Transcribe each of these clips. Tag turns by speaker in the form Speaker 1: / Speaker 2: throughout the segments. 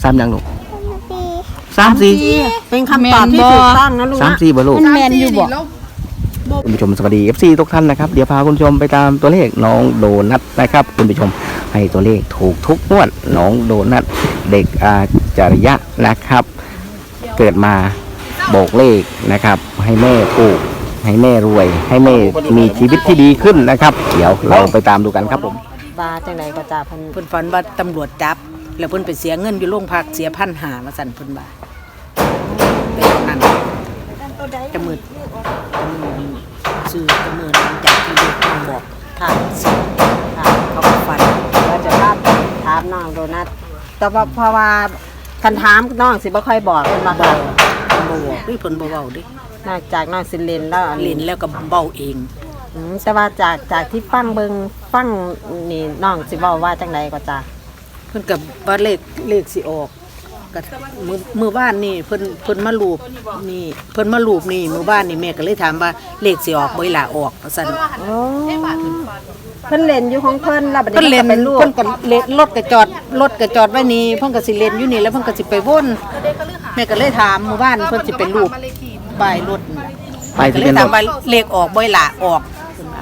Speaker 1: 3ยังลูก3-4
Speaker 2: เป็นคำตอบที่ถูกต้องนะลูกนะ
Speaker 1: 3-4บ่ลูก
Speaker 2: มันแมนอยู่บ่
Speaker 1: คุณผู้ชมสวัสดีFC ทุกท่านนะครับเดี๋ยวพาคุณผู้ชมไปตามตัวเลขน้องโดนัทนะครับคุณผู้ชมให้ตัวเลขถูกทุกงวดน้องโดนัทเด็กอาจารยะนะครับเกิดมาโบกเลขนะครับให้แม่ถูกให้แม่รวยให้แม่มีชีวิตที่ดีขึ้นนะครับเดี๋ยวเราไปตามดูกันครับผม
Speaker 2: บาจังไดก็จ่าเพิ่น
Speaker 3: ฝันว่าตำรวจจับแล้วเพิ่นไปเสียเงินอยู่โรงพักเสีย1,500มาสั่นเพิ่นบ่าแต่นั้นจะมืดซื้อจะมืดหลังจากที่เด็กน้องบอกค่ะเขาก็ฝัน
Speaker 2: ว่าจะถามน้องโดนัทแต่ว่าเพราะว่าคันถามน้องสิบ่ค่อยบอกเพิ่นว่าค่ะ
Speaker 3: บ่บอกเพิ่นบ่เว้าดิ
Speaker 2: นอกจากน้องสิเล่นแล้ว
Speaker 3: เล่นแล้วก็เว้าเอง
Speaker 2: แต่ว่าจากที่ฟังนี่น้องสิเว้าว่าจังไดก็จ่า
Speaker 3: เพิ่นก็ว่าเลขสิออกก็มื้อบ้านนี่เพิ่นมารูปนี่เพิ่นมารูปนี่มื้อบ้านนี่แม่ก็เลยถามว่าเลขสิออกบ่ล่ะออกว่าซั่น
Speaker 2: โอ้เพิ่นเล่นอยู่ของเพิ่นแล้วบัดนี้
Speaker 3: เพิ่นเล่นเพิ่นก็เล่นรถก็จอดไว้นี่เพิ่นก็สิเล่นอยู่นี่แล้วเพิ่นก็สิไปวนแม่ก็เลยถามมื้อบ้านเพิ่นสิเป็นรูปป้ายรถ
Speaker 1: ป้ายทะเบียนรถ
Speaker 3: ว่าเลขออกบ่ล่ะออก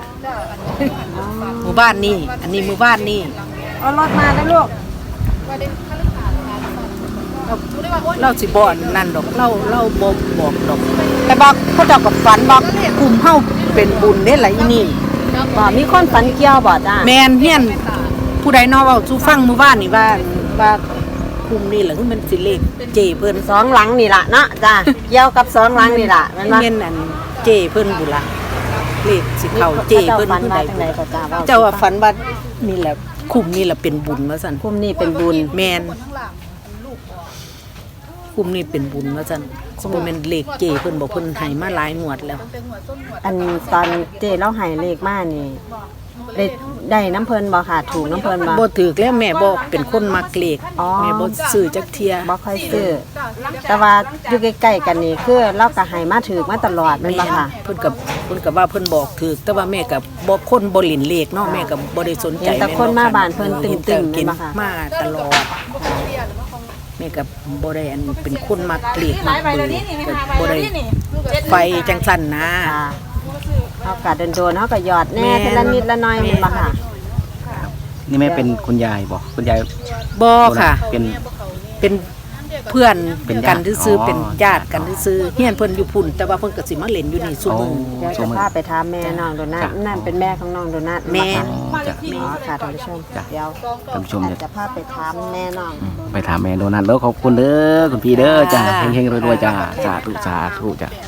Speaker 3: หมู่บ้านนี่อันนี้หมู่บ้านนี่
Speaker 2: เอารถมาได้ลูก
Speaker 3: เราสิบ่นั่นดอกเราบ่บอกดอกแต่บอกเขาเจ้ากับฝันบอกกลุ่มเฮาเป็นบุญเด้ล่ะอีนี่
Speaker 2: บ่มีคนฝันเกี่ยวบ่จ้า
Speaker 3: แม่นเฮียนผู้ใดเนาะเว้าสู่ฟังหมู่บ้านนี่ว่ากลุ่มนี่ล่ะคือมันสิเลขเจเพิ่น
Speaker 2: 2หลังนี่ล่ะเนาะจ้าเกี่ยวกับ2หลังนี่ล่ะแม่นบ่
Speaker 3: แม่นอันเจเพิ่นบุล่ะเลขสิเข้าเจเพิ่นผู้ใด
Speaker 2: ก็จ้า
Speaker 3: เจ้าว่าฝันว่านี่แหละคุมนี่แหละเป็นบุญว่าซั่น
Speaker 2: คุมนี่เป็นบุญ
Speaker 3: แม่นคุมนี่เป็นบุญว่าซั่นบ่แม่นเลขเจเพิ่นบอกเพิ่นให้มาหลายงวดแล้ว
Speaker 2: อันตอนเจเล่าให้เลขมานี่ได้น้ำเพิ่นบ่ค่ะถูกน้ำเพิ่น
Speaker 3: บ่ถูกแล้วแม่บ่เป็นคนมักเลขแม่บ่ซื้อจักเที่ย
Speaker 2: บ่ค่อยซื้อแต่ว่าอยู่ใกล้ๆกันนี่คือเราก็ให้มาถูกมาตลอดแม่นบ่ค่ะ
Speaker 3: เพิ่นก็ว่าเพิ่นบอกถูกแต่ว่าแม่ก็บ่คนบ่เล่นเลขเนาะแม่ก็บ่ได้สนใจ
Speaker 2: แต่คนมาบ้านเพิ่นตึงๆแม่นบ่ค่ะ
Speaker 3: มาตลอดแม่ก็บ่ได้อันเป็นคนมักเลขมักบ่ได้ไฟจังซั่นนะ
Speaker 2: เฮาก็โดนๆเฮาก็หยอดแน่ทีละนิดละหน่อยแม่นบ่ค่ะ
Speaker 1: นี่แม่เป็นคุณยายบ่คุณยาย
Speaker 3: บ่ค่ะเป็นเพื่อนกันซื่อเป็นญาติกันซื่อเฮียนเพิ่นอยู่พุ่นแต่ว่าเพิ่นก็สิมาเล่นอยู่นี่ซุมื้อ
Speaker 2: เดี๋ยวจะพาไปถามแม่น้องโดนัทนั่นเป็นแม่ของน้องโดนัท
Speaker 3: แม่
Speaker 2: ค่ะท่านผู้ชมเดี๋ยว
Speaker 1: ท่านผู้ชม
Speaker 2: จะพาไปถามแม่น้อง
Speaker 1: ไปถามแม่โดนัทแล้วขอบคุณเด้อคุณพี่เด้อจ้าเฮงๆรวยๆจ้าสาธุจ้า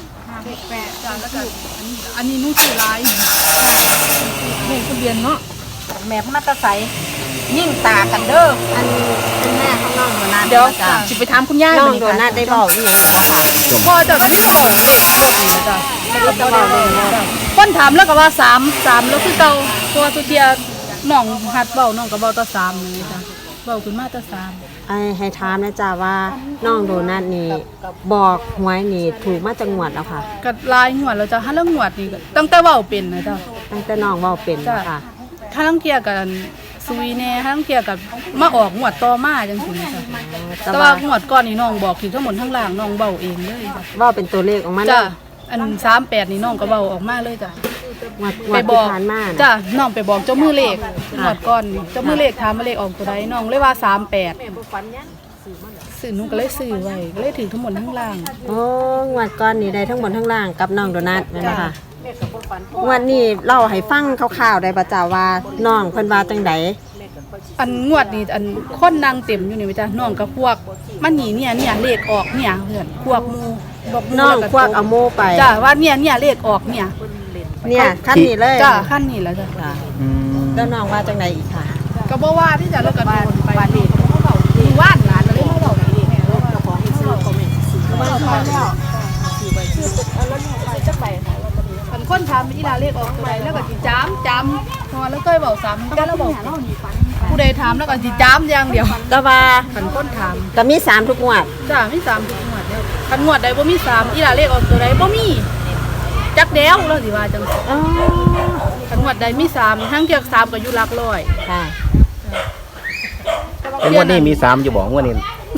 Speaker 4: อันนี้นุ่งชื่อลายแม่ทะเบียนเนาะ
Speaker 3: แม่พนัตไสยิ่งตากันเด้อ
Speaker 2: อันนี้เป็นแม่ของน้องโดนัท
Speaker 4: เดี๋ยวสิไปถามคุณย่า
Speaker 2: น้องโดนัทได้บอกอีหยังบ่ค่ะ
Speaker 4: พ่อจะไม่ได้บอกเด็กรถนี่จ้ะคนถามแล้วก็ว่า3แล้วคือเก่าตัวสุเทียน้องหัดเว้าน้องก็เว้าต่อ3นี่จ้ะเว้าขึ้นมาต่อ3
Speaker 2: ให้ถามนะจ้าว่าน้องโดนัทนี่บอกหวยนี่ถูกมาจังหวัดแล้วค่ะ
Speaker 4: ก็ลายงวดแล้วจ้ะถ้าเรื่องงวดนี่ตั้งแต่เว้าเป็นนะจ้ะ
Speaker 2: ตั้งแต่น้องเว้าเป็นค่ะ
Speaker 4: ถ้าลังเทียกันซุยแน่ถ้าลังเทียกันมาออกงวดต่อมาจังซี่จ้ะแต่ว่างวดก่อนนี่น้องบอกถึงทั้งหมดทั้งล่างน้องเว้าเองเลย
Speaker 2: เว้าเป็นตัวเลขออกมา
Speaker 4: จ้ะอัน38นี่น้องก็เว้าออกมาเลยจ้ะ
Speaker 2: ไปบอก
Speaker 4: จ้ะน้องไปบอกเจ้ามือเลขงวดก่อนเจ้ามือเลขถามมาเลขออกตัวใดน้องเลยว่า38ซื้อหนูก็เลยซื้อไว้ก็เลยถึงทั้งหมดทั้งล่าง
Speaker 2: โอ้งวดก่อนนี่ได้ทั้งหมดทั้งล่างกับน้องโดนัทแม่นบ่ค่ะวันนี้เล่าให้ฟังคร่าวๆได้บ่จ้าว่าน้องเพิ่นว่าจังได๋
Speaker 4: อันงวดนี่อันคนนางเต็มอยู่นี่จ้ะน้องกับพวกมันนี่เนี่ยเลขออกเนี่ยเพื่อนพวกหมู่
Speaker 2: บอกน้องพวกเอาโมไป
Speaker 4: จ้ะว่าเนี่ยเลขออกเนี่ย
Speaker 2: ขั้นนี้เลย
Speaker 4: จ้ะขั้นนี้แล้วจ้ะ
Speaker 2: แล้วน้องว่าจังได๋อีกค่ะ
Speaker 4: ก็บ่ว่าที่จะแล้วก็โดนไปนี่มีวาดหลานเลยมาบอกนี่แม่รถกระป๋องซื้อคอมเมนต์ซื้อมาแล้วซื้อไปแล้วนี่ไปจักใบค่ะมันคนถามอีหลาเลขออกตัวใดแล้วก็สิจำพอแล้วเคยเว้าซ้ำก็แล้วบอกผู้ใดถามแล้วก็สิจำอย่างเดียว
Speaker 2: ก็ว่า
Speaker 4: คันคนถาม
Speaker 2: ก็มี3ทุกงวด
Speaker 4: จ้ะมี3ทุกงวดแล้วคันงวดใดบ่มี3อีหลาเลขออกตัวใดบ่มีจักเดียวแล้วสิว่าจังคันงวดใดมี3ทั้งเกียก3ก็อยู่หลักร้อย
Speaker 2: ค่ะ
Speaker 1: งวดนี้มี3อยู่บ่งวดนี้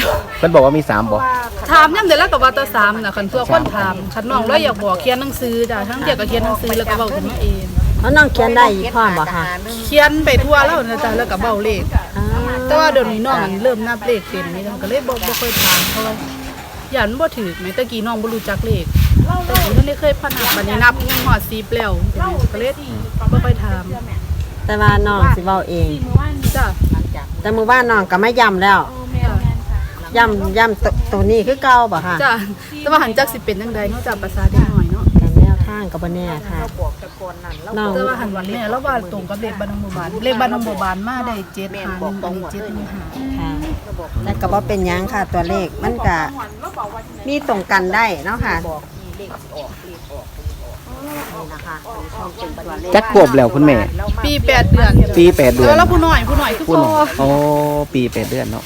Speaker 1: พิ่นบอกว่ามี3บ่
Speaker 4: ถามยังเดี๋ยวแล้วก็ว่าแตา3น่ะคันตัวคนถามคันน้องเลยอยากบอกเขียนหนังสือจ้ะทั้งเดียวก็เขียนหนังสือแล้วก็เว้าขึ้นมาเอง
Speaker 2: แล้วน้องเขียนได้อีกพร้อมบ่ค่ะ
Speaker 4: เขียนไปทั่วแล้วนะจ๊ะแล้วก็เว้าเลข
Speaker 2: อ่า
Speaker 4: แต่ว่าเดี๋ยวนี้น้องมันเริ่มนับเลขเป็นนี่ก็เลยบ่ค่อยถามเพราะว่าย่านบ่ถูกแม้ตะกี้น้องบ่รู้จักเลขแต่กี้มันได้เคยพนันบัดนี้นับยังฮอด10แล้วก็เลยบ่ค่อยถาม
Speaker 2: แต่ว่าน้องสิเว้าเอง
Speaker 4: จ้ะ
Speaker 2: แต่มื้อบ้านน้องก็ไม่ย้ำแล้วย้ำตัวนี้คือเก่าบ่ค่ะ
Speaker 4: จ้ะแต่ว่าหันจักสิเป็นจังไดเนาะจ้ะภาษาเด็กน้อยเนาะ
Speaker 2: แต่แนวทางก็บ่แน่ค่ะน้อง
Speaker 4: แต่ว่าหันวันแม่แล้วว่าตรงกับเลขบ้านน้องบัวบานเลขบ้านน้องบัวบานมาได้7หารอันนี้7หาร
Speaker 2: ค่ะแต่ก็บ่เป็นหยังค่ะตัวเลขมันก็มีตรงกันได้เนาะค่ะนี่นะคะเป็นตัวเลข
Speaker 1: จักขวบแล้วคุณแม่
Speaker 4: ปี8เดือน
Speaker 1: ปี8เดือน
Speaker 4: แล้วผู้น้อยคือ
Speaker 1: คุณ
Speaker 4: พ่อ
Speaker 1: โอ้ปี8เดือนเนาะ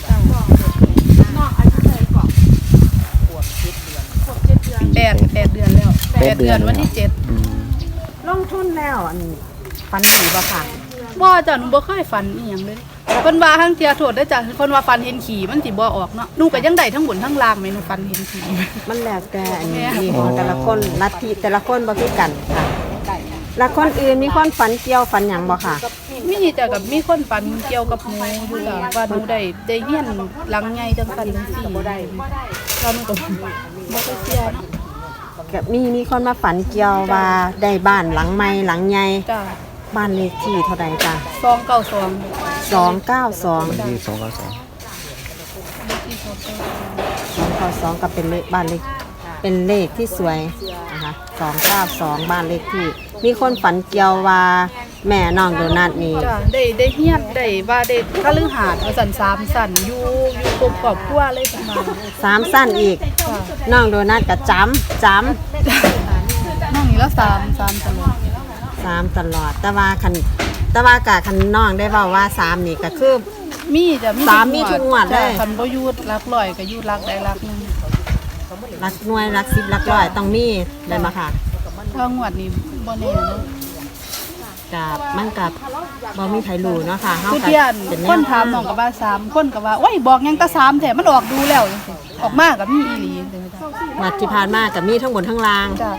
Speaker 4: 8เดือนแล้ว8เดือนวันที่7
Speaker 1: อืม
Speaker 2: ลงทุนแล้วอันฟันดีบ่ค่ะ
Speaker 4: บ่จ้ะหนูบ่เคยฝันอีหยังเลยเพิ่นว่าทั้งเที่ยโทษได้อจ้ะเพิ่นว่าฝันเห็นขี่มันสิบ่ออกเนาะหนูก็ยังได้ทั้งบนทั้งล่างแม่หนูฝันเห็นขี่
Speaker 2: มันแล้วแต่อันนี้มีของแต่ละคนลัทธิแต่ละคนบ่คือกันค่ะแล้วคนอื่นมีคนฝันเกี่ยวฝันหยังบ่ค่ะ
Speaker 4: มีจ้ะกับมีคนฝันเกี่ยวกับหนูอยู่จ้ะว่าหนูได้เฮียนหลังใหญ่จังซั่นจังซี่บ่ได้แล้วหนูก็บ่ได้เชื่อเนาะ
Speaker 2: ก็มีคนมาฝันเกี่ยวว่าได้บ้านหลังใหม่หลังใหญ่
Speaker 4: จ้ะ
Speaker 2: บ้านเลขที่เท่าใดจ้ะ
Speaker 4: 292
Speaker 2: 292
Speaker 1: ที่292
Speaker 2: 292ก็เป็นเลขบ้านเลขเป็นเลขที่สวยนะคะ292บ้านเลขที่ มีคนฝันเกี่ยวว่าแม่น้องโดนัทนี่
Speaker 4: จ้ะได้เฮียนได้ว่าได้คฤหาสน์ว่าซั่น3สั่นอยู่ครบครอบครัวเลยประมาณ
Speaker 2: 3สั้นอีก
Speaker 4: จ้ะ
Speaker 2: น้องโดนัทก็จำ
Speaker 4: น้องนี่ละ3ตลอด
Speaker 2: 3ตลอด แต่ว่ากะคันน้องได้เว้าว่า3นี่ก็คือ
Speaker 4: มีจ้ะ
Speaker 2: สามมีทุกงวดเลย
Speaker 4: จ้ะคันบ่อยู่หลักร้อยก็อยู่หลักใดหลักหนึง
Speaker 2: รักหน่วยรัก10รักร้อยต้องมีได้มาค่ะ
Speaker 4: ถ้างวดนี้บ่แน่เนาะ
Speaker 2: กับมันกับบ่มีไผรู้เนาะค่ะเฮา
Speaker 4: คือ
Speaker 2: ก็
Speaker 4: เที่ยน
Speaker 2: เป็นแน
Speaker 4: คน
Speaker 2: ว
Speaker 4: ถามน้องก็ว่า3คนก็ว่าโอ้ยบอกหยังแตะ3แท้มันออกดูแล้วจังซี่ออกมาก็มีอีหลีจังซี่จ้ะ
Speaker 2: วัดที่ผ่านมาก็มีทั้งบนทั้งล่าง
Speaker 4: จ้ะ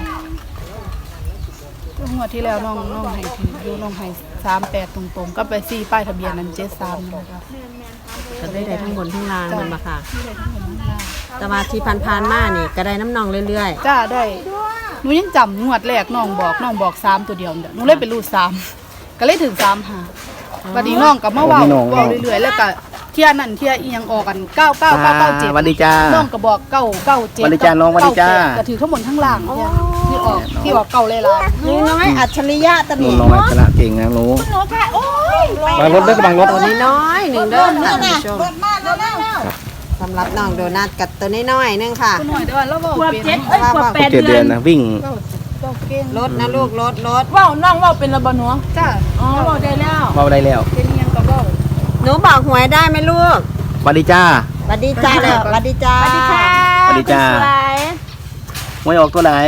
Speaker 4: งวดที่แล้วน้องให้ถืออยู่น้องให้38ตรงๆก็ไป4ป้ายทะเบียนนั้น73นะคะ
Speaker 2: ก็ได้ทั้งบนทั้งล่างมันมาค่ะ แต่ว่าที่ผ่านๆมานี่ก็ได้น้ำนองเรื่อย
Speaker 4: จ้าได้หนูยังจำงวดแรกน้องบอก3ตัวเดียวเด้อหนูเลยไปรูด3ก็เลยถึง3หาบัดนี้น้องก็มาเว้าเรื่อยๆแล้วก็เที่ยนั่นเที่ยอีหยังออกกัน99997
Speaker 1: สวัสดีจ้า
Speaker 4: น้องก็บอก997
Speaker 1: สวัสดีจ้าน้องสวัสดีจ้า
Speaker 4: ก็ถือทั้งบนทั้งล่างเนี่ยที่ออกเก่าเลยล่ะ
Speaker 2: ๆนี่น้อยอัจฉริยะตะ
Speaker 1: หนู
Speaker 2: นี่
Speaker 1: น้อยชนะเก่งนะหนู
Speaker 4: หนูค่ะโอ้ย
Speaker 1: บางรถเด้อบางรถ
Speaker 2: ตัวน้อยๆหนึ่งเด้อค่ะท่านผู้ชมสำหรับน้องโดนัทกับตัวน้อยๆนึงค่ะ
Speaker 4: คุณหน่อยเดี๋ยวเราบอกเป็น
Speaker 2: ว่า
Speaker 1: 7 เดือนนะวิ่ง
Speaker 4: เจ้าเก่ง
Speaker 2: รถนะลูกรถ
Speaker 4: เว้าน้องเว้าเป็นระบหนัวจ้าอ๋อเว้าได้แล้ว
Speaker 1: เบาได้แล้ว
Speaker 4: เป็นอิหยังก็เว้า
Speaker 2: หนูบอกหวยได้ไหมลูก
Speaker 1: สวัสดีจ้า
Speaker 2: สวัสดีจ้าเลยสวัสดีจ้า
Speaker 1: สวัสดีจ้าหวยออกตัวไหน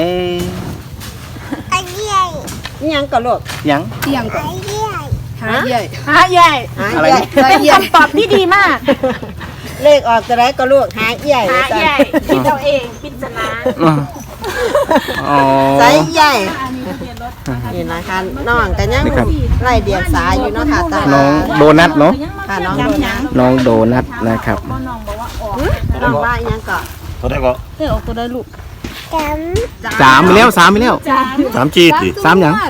Speaker 2: นี่ยังก็ลูก
Speaker 1: ยัง
Speaker 4: อิหยังก็หาใหญ่
Speaker 2: หาใหญ่หา
Speaker 1: อะไร
Speaker 2: ใหญ่
Speaker 4: เป็นคำตอบที่ดีมาก
Speaker 2: เลขออกจะได้ก็ลูกหาใหญ่หาใหญ่
Speaker 4: คิดเอาเองปริศนา
Speaker 1: อ๋อ
Speaker 2: ไซส์ใหญ่นี่นะคะน้องก็ยัง
Speaker 1: นี่ครับ
Speaker 2: ไล่เดียงสาอยู่เนาะค่ะตา
Speaker 1: น้องโดนัทเนาะ
Speaker 2: ค่ะน้องโดนัท
Speaker 1: น้องโดนัทนะครับ
Speaker 2: น้องว่าอีหยังก็
Speaker 5: เท่าไหร่ก็
Speaker 4: เฮ้ยออกตัวได้ลูก
Speaker 1: 3ไปแล้ว3ไปแล้ว
Speaker 5: 3จีติ
Speaker 1: 3หยัง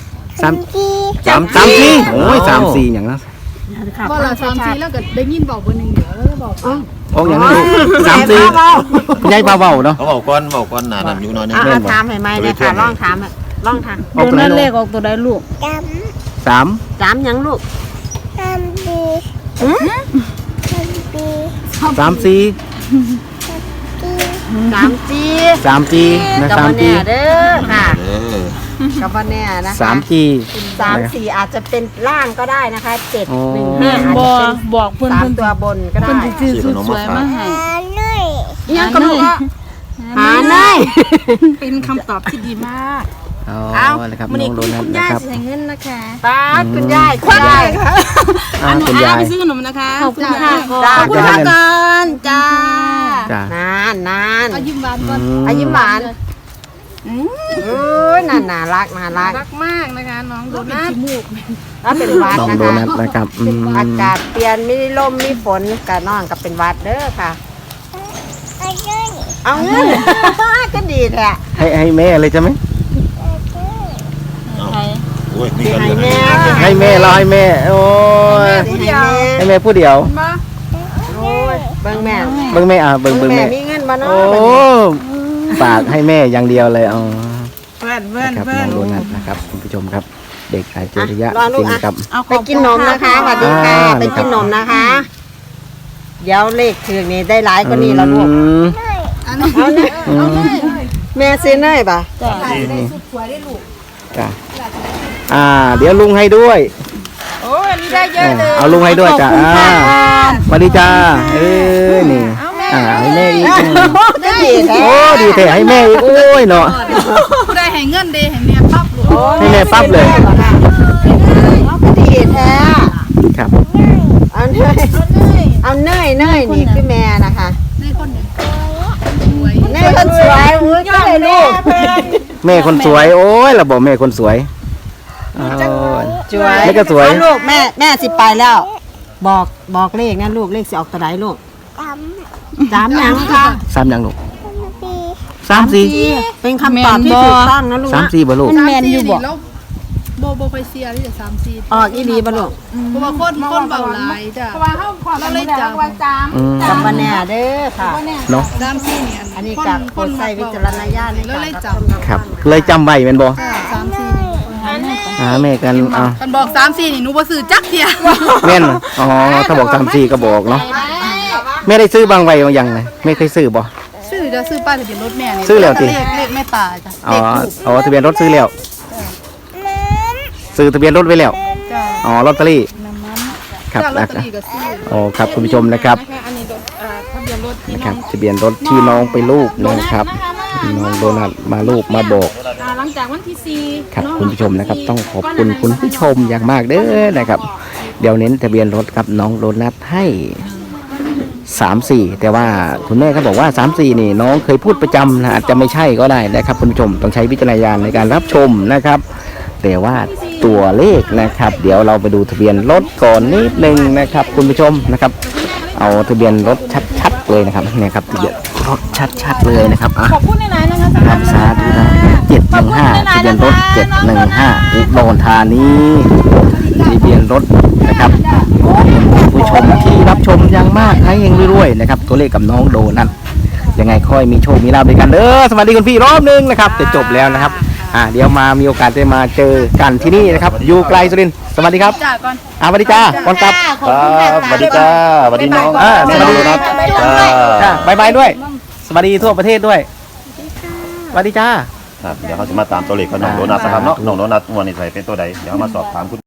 Speaker 1: 3 3ทีโอ้ย3 4หยังนะ
Speaker 4: บ่ละ3-4แล้วก็ได้ยินเว้าเบอร์หนึงเดี๋ยวแล้วก็บอก
Speaker 1: ออกหยังนะลูก3 4คุณยายเบาๆเนาะ
Speaker 5: เขาบอกก้อนหนานั่นอยู่หน้อยนึง
Speaker 2: อ่ะถามให้ไหมเนี่ยค่ะลองถามลองถาม
Speaker 1: ออกตัวไหนลูก
Speaker 4: ออกตัวได้ลูก
Speaker 1: 3
Speaker 2: ถามหยังลูก
Speaker 1: 3 4
Speaker 2: ถามจี
Speaker 1: 3G นะ
Speaker 2: กับวัน
Speaker 1: 3G
Speaker 2: แน่เด้อค่ะ
Speaker 5: เออ
Speaker 2: กับวันแน่นะคะ
Speaker 1: 3G
Speaker 2: 3-4อาจจะเป็นล่างก็ได้นะคะ7
Speaker 1: อ๋อ
Speaker 2: 1 5อาจจะเป็น
Speaker 4: บอกเพิ่น
Speaker 2: 3ตัวบนก็ได้
Speaker 5: ซื้อขนมมาฝาก
Speaker 2: อีหยังก็ลูกหาเนย
Speaker 4: เป็นคำตอบที่ดีมาก
Speaker 1: อ๋อนะครับน้องโดนัทนะครับ
Speaker 4: เงินนะคะ
Speaker 2: ตาดคุณยายคุณยาย
Speaker 1: คุณยาย
Speaker 4: ไปซื้อขนมนะคะ
Speaker 2: ขอบคุณค่ะ
Speaker 1: ขอบคุณค่ะ
Speaker 2: ก่อนจ้า
Speaker 4: เอายิ้มหวานก่อน
Speaker 2: อายิ้มหวานเอ้ยน่ารัก
Speaker 4: รักมากนะคะน้องโดนัท
Speaker 2: แล้วเป็นหวัด
Speaker 1: น้อง
Speaker 2: นะ
Speaker 1: โด
Speaker 2: คะ
Speaker 1: นัทนะครับ
Speaker 2: อากาศเปลี่ยนมีลมมีฝนกับน้องกับเป็นหวัดเด้อค่ะ เอาเงิน ก็ดีแหละ
Speaker 1: ให้แม่เลยใช่ไหม
Speaker 5: โอ้ยนี่กัน
Speaker 2: ให้
Speaker 5: เลย
Speaker 2: แม่
Speaker 1: ให้แม่เราให้แม่โอ้ย ให้แม่ผู้เดียว
Speaker 2: โอ้ยเบิ่งแม่
Speaker 1: เบิ่งแม่เบิ่ง
Speaker 2: แม่
Speaker 1: แม่
Speaker 2: มีเงินบ่เนาะ
Speaker 1: โอ้ฝากให้แม่อย่างเดียวเลยอ๋อ
Speaker 3: เพื่อนเพื่อน
Speaker 1: นะครับ
Speaker 3: เพื่อ
Speaker 1: น้อน งโดนัทนะครับคุณผู้ชมครับ เด็กอาจริยะ
Speaker 2: รอลู
Speaker 1: จริ
Speaker 2: ก
Speaker 1: ง
Speaker 2: อ่ะ
Speaker 1: ครับ
Speaker 2: ไปกินนมนะคะสวัสดีค่ะ ไปกินนมนะคะ เดี๋ยวเลขถึงนี่ได้หลายกว่านี้แล้วลูก เอาเนย
Speaker 1: อืม
Speaker 2: แม่ซื้อเนยป่ะ
Speaker 1: จ้ะเดี๋ยวลุงให้ด้วย
Speaker 4: โอ้ยอันนี้ได้เยอะเลย
Speaker 1: เอาลุงให้ด้วยจ้ะสวัสดีจ้านี่ให้แม่อีก
Speaker 2: ก็ดีแท้
Speaker 1: โอ้ดีแท้ให้แม่อีกโอ้ยเนาะ
Speaker 4: ผู้ได้ให้เงินเดย์ให้แม่ปั๊บลูก
Speaker 1: ให้แม่ปั๊บเลย
Speaker 2: ก็ดีแท้
Speaker 1: ครับ
Speaker 2: เอาเนยนี่คือแม่นะคะ
Speaker 4: ในคนเนี่ยสวย
Speaker 2: เนยคนสวยอุ้ยก็เลยลูก
Speaker 1: แม่คนสวยโอ้ยเราบอกแม่คนสวยโอ้ย
Speaker 2: สวย
Speaker 1: แม่ก็สวย
Speaker 2: เอาลูกแม่สิไปแล้ว บอกเลขนะลูกเลขสิออกตัวไหนลูกจำยังค่ะ
Speaker 1: สามยังลูก3-4
Speaker 2: เป็นคำตอบที่ถูกต้องนะลูกนะ
Speaker 1: 3-4บ่ลูก
Speaker 4: แมนอยู่บ่แล้วโบไฟเซียที่จะ3-4
Speaker 2: ออกอีดีบ่ลูก
Speaker 4: เพราะว่าคนเบาหลายจ้ะเพราะว่าเราเลยจับ
Speaker 2: จำมาแน่เด้อค่ะ
Speaker 1: เนาะ
Speaker 4: 3-4เนี่ย
Speaker 2: อันนี้กับคนใส่วิจารณญาณใน
Speaker 4: แล้ว
Speaker 2: การ
Speaker 4: เลย
Speaker 2: รับ
Speaker 4: จับ
Speaker 2: ชม
Speaker 1: ครับ เลยจำไว้แม่นบ่
Speaker 4: 3-4
Speaker 1: แม่กันอ่ะ
Speaker 4: คันบอก3-4นี่หนูบ่ซื้อจักเที่ย
Speaker 1: แม่นอ๋อถ้าบอก3-4ก็บอกเนาะแม่ได้ซื้อบางไว้บางอย่างเลยไม่เคยซื้อบ่
Speaker 4: ซื้อจะซื้อป้ายทะเบียนรถแม่นี่
Speaker 1: ซื้อแล้วติ
Speaker 4: เลขแม่ตาจ้ะ
Speaker 1: อ๋อ
Speaker 4: เลขถูก
Speaker 1: ทะเบียนรถซื้อแล้วซื้อทะเบียนรถไว้แล้ว
Speaker 4: จ้ะ
Speaker 1: อ๋อลอตเตอรี่ครับ
Speaker 4: จ้ะลอต
Speaker 1: นะ
Speaker 4: เตอรี่ก็ซื้อ
Speaker 1: อ๋อครับคุณผู้ชมนะครับ
Speaker 4: อันนี้รถทะเบียนรถที่
Speaker 1: นะค
Speaker 4: น้
Speaker 1: รั
Speaker 4: อบ ง
Speaker 1: ทะเบียนรถที่น้องไปรูปนะครับน้องโดนัทมารูปมาบอก
Speaker 4: หลังจากวันที่4
Speaker 1: ครับคุณผู้ชมนะครับ ต้องขอบคุณคุณผู้ชมอย่างมากเด้อนะครับ เดี๋ยวเน้นทะเบียนรถครับน้องโดนัทให้3-4แต่ว่าคุณแม่เขาบอกว่า3-4นี่น้องเคยพูดประจำนะอาจจะไม่ใช่ก็ได้นะครับคุณผู้ชมต้องใช้วิจารณญาณในการรับชมนะครับ แต่ว่าตัวเลขนะครับ เดี๋ยวเราไปดูทะเบียนรถก่อนนิดนึงนะครับ คุณผู้ชมนะครับ เอาทะเบียนรถชัดๆเลยนะครับเนี่ยครับทะเบียนรถชัดๆเลยนะครับอ่ะ
Speaker 4: ขอบคุณในไหนนะคะ
Speaker 1: ครับสาธุนะ715ทะเบียนรถ715อุดรธานีทะเบียนรถนะครับผู้ชมที่รับชมอย่างมากให้เองรวยๆนะครับ ตัวเลขกับน้องโดนัทยังไงค่อยมีโชคมีลาภด้วยกันเด้อสวัสดีคุณพี่รอบนึงนะครับจะจบแล้วนะครับเดี๋ยวมามีโอกาสได้มาเจอกันที่นี่นะครับอยู่ไกลสุรินทร์สวัสดีครับ
Speaker 4: จ้าก่อน
Speaker 1: สวัสดีจ้าก่อนกลับ
Speaker 5: ครับสวัสดีจ้าสวัสดีน้อง
Speaker 1: สวัสดี
Speaker 5: นะจ้า
Speaker 1: จ้าบายบายด้วย สวัสดีทั่วประเทศด้วยสวัสดีจ้า
Speaker 5: ครับเดี๋ยวเขาจะมาตามตัวเลขของน้องโดนัทนะครับเนาะน้องโดนัทงวดนี้ใส่เป็นตัวใดเดี๋ยวมาสอบถามคุณ